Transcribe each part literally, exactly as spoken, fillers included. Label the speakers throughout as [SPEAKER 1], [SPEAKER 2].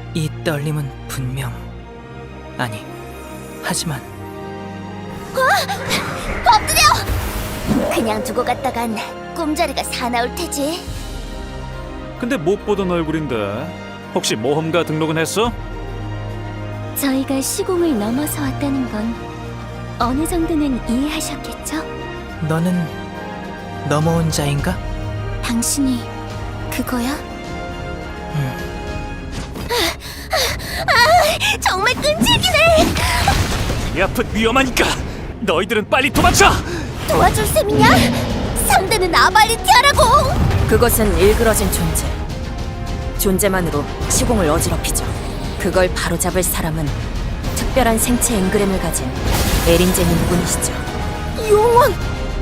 [SPEAKER 1] 이 떨림은 분명 아니 하지만
[SPEAKER 2] 엎드려! 그냥 두고 갔다간 꿈자리가 사나울 테지.
[SPEAKER 3] 근데 못 보던 얼굴인데 혹시 모험가 등록은 했어?
[SPEAKER 2] 저희가 시공을 넘어서 왔다는 건 어느 정도는 이해하셨겠죠?
[SPEAKER 1] 너는 넘어온 자인가?
[SPEAKER 2] 당신이 그거야?
[SPEAKER 1] 음.
[SPEAKER 2] 아, 정말 끈질기네!
[SPEAKER 3] 이 앞은 위험하니까 너희들은 빨리 도망쳐!
[SPEAKER 2] 도와줄 셈이냐? 상대는 아발리티아라고!
[SPEAKER 4] 그것은 일그러진 존재. 존재만으로 시공을 어지럽히죠. 그걸 바로잡을 사람은 특별한 생체 앵그램을 가진 에린제님 뿐이시죠.
[SPEAKER 2] 용원!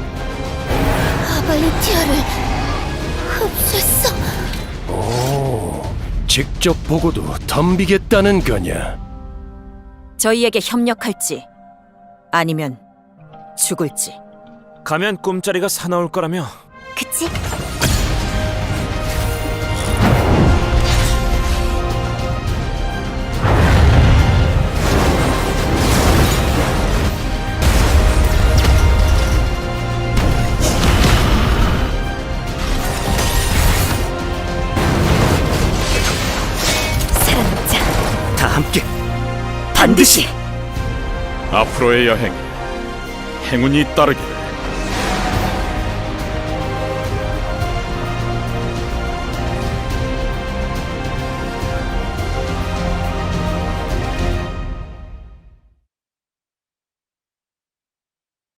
[SPEAKER 2] 아발리티아를 흡수했어.
[SPEAKER 5] 오, 직접 보고도 덤비겠다는 거냐?
[SPEAKER 4] 저희에게 협력할지 아니면 죽을지.
[SPEAKER 3] 가면 꿈자리가 사나울 거라며.
[SPEAKER 2] 그치?
[SPEAKER 4] 사랑자
[SPEAKER 3] 다 함께
[SPEAKER 4] 반드시.
[SPEAKER 5] 앞으로의 여행에 행운이 따르기를.